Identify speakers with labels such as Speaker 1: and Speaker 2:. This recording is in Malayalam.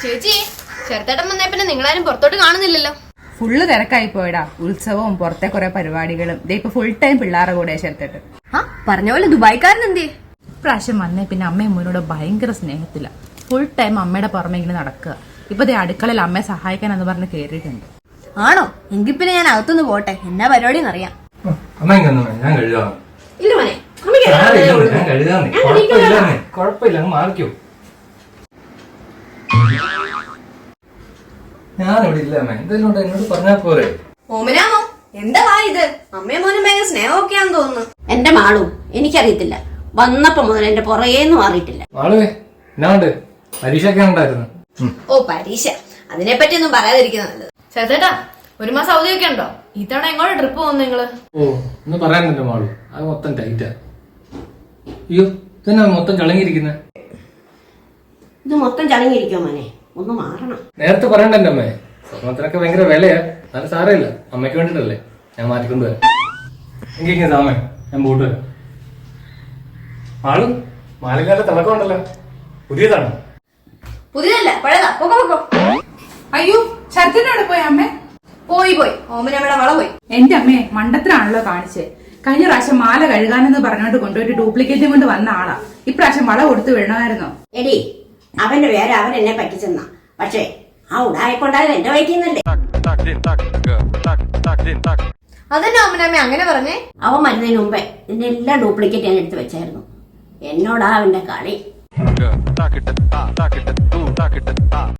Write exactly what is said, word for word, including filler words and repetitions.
Speaker 1: ചേച്ചി ചെറുത്തേട്ടൻ വന്നേ പിന്നെ നിങ്ങളാരും പുറത്തോട്ട് കാണുന്നില്ലല്ലോ.
Speaker 2: ഫുള്ള് തിരക്കായി പോയടാ. ഉത്സവവും പുറത്തെ കുറെ പരിപാടികളും. ഇപ്പൊ ഫുൾ ടൈം പിള്ളേരുടെ കൂടെ ചേർത്തിട്ട്.
Speaker 1: ആ പറഞ്ഞ പോലെ ദുബായിക്കാരൻ എന്തേ
Speaker 2: പ്രാവശ്യം വന്നേ പിന്നെ അമ്മയും മോനോട് ഭയങ്കര സ്നേഹത്തില്ല. ഫുൾ ടൈം അമ്മയുടെ പുറമെ ഇങ്ങനെ നടക്കുക. ഇപ്പൊ ദേ അടുക്കളയിൽ അമ്മയെ സഹായിക്കാനെന്ന് പറഞ്ഞ് കേറിയിട്ടുണ്ട്.
Speaker 1: ആണോ? എങ്കിൽ പിന്നെ ഞാൻ അകത്തുനിന്ന് പോട്ടെ, എന്നാ പരിപാടി അറിയാം.
Speaker 3: ഞാൻ കഴുകാം.
Speaker 1: ഇല്ല മോനെ,
Speaker 3: ഞാൻ കഴുകാന്നേ. കുഴപ്പമില്ല, അങ്ങ് മാറിക്കോ. ഞാനിവിടെ ഇല്ല അമ്മ. എന്തെങ്കിലും ഉണ്ടോ എന്നോട് പറഞ്ഞാ പോരെ.
Speaker 1: ഓമനാമോ എന്താ ഇത്? അമ്മയും മോനും ഭയങ്കര സ്നേഹമൊക്കെയാന്ന് തോന്നുന്നു.
Speaker 4: എന്റെ മാളു എനിക്കറിയത്തില്ല, വന്നപ്പോ മുതൽ എന്റെ പുറകേന്ന് മാറിയിട്ടില്ല.
Speaker 3: മാളുവേ എന്നാണ്ട് പരീക്ഷ ഒക്കെ ഉണ്ടായിരുന്നു.
Speaker 1: ഓ പരീക്ഷ, അതിനെപ്പറ്റി ഒന്നും പറയാതിരിക്കുന്നത് നല്ലത്. ചേട്ടാ ഒരു മാസം അവധിയൊക്കെ ഉണ്ടോ? ഇത്തവണ എങ്ങോട്ട് ട്രിപ്പ് പോകുന്നു നിങ്ങള്?
Speaker 3: ഓ ഒന്ന് പറയാനുണ്ടോ മാളു, അത് മൊത്തം ടൈറ്റാ. അയ്യോ ഇതന്നെ മൊത്തം ചളങ്ങിയിരിക്കുന്നെ.
Speaker 4: ഇത് മൊത്തം ചടങ്ങിയിരിക്കോ മോനെ, ഒന്ന് മാറണം.
Speaker 3: നേരത്തെ പറയണ്ട എന്റെ അമ്മേ, സ്വർണത്തിനൊക്കെ ഭയങ്കര വിലയാ. നല്ല സാരമില്ല, അമ്മയ്ക്ക് വേണ്ടിട്ടല്ലേ, ഞാൻ മാറ്റിക്കൊണ്ട് വരാം. എനിക്ക് സാമേ ഞാൻ പോട്ട് വരാം. മാളു മാലക്കാരുടെ തിളക്കം ഉണ്ടല്ലോ, പുതിയതാണ്?
Speaker 1: പുതിയതല്ല, പഴയതാ. പൊക്കോ പൊക്കോ.
Speaker 2: അയ്യോ ശരത്തിനോട് പോയി അമ്മേ.
Speaker 1: പോയി പോയി ഓമനമ്മയുടെ വള പോയി.
Speaker 2: എന്റെ അമ്മയെ മണ്ടത്തിനാണല്ലോ കാണിച്ചേ. കഴിഞ്ഞ പ്രാവശ്യം മാല കഴുകാനെന്ന് പറഞ്ഞോണ്ട് കൊണ്ടുപോയിട്ട് ഡ്യൂപ്ലിക്കേറ്റും കൊണ്ട് വന്ന ആളാ. ഇപ്രാവശ്യം വള കൊടുത്തു വിടണമായിരുന്നോ?
Speaker 4: എടി അവന്റെ പേര് അവൻ എന്നെ പറ്റിച്ചെന്നാ, പക്ഷേ ആ ഉടായിക്കൊണ്ടായത് എന്റെ വയറ്റിന്നല്ലേ.
Speaker 1: അതെന്നെ ഓമനമ്മ അങ്ങനെ പറഞ്ഞേ?
Speaker 4: അവൻ വരുന്നതിന് മുമ്പേ എന്റെ എല്ലാ ഡ്യൂപ്ലിക്കേറ്റ് ഞാൻ എടുത്ത് വെച്ചായിരുന്നു. എന്നോടാ അവന്റെ കളി.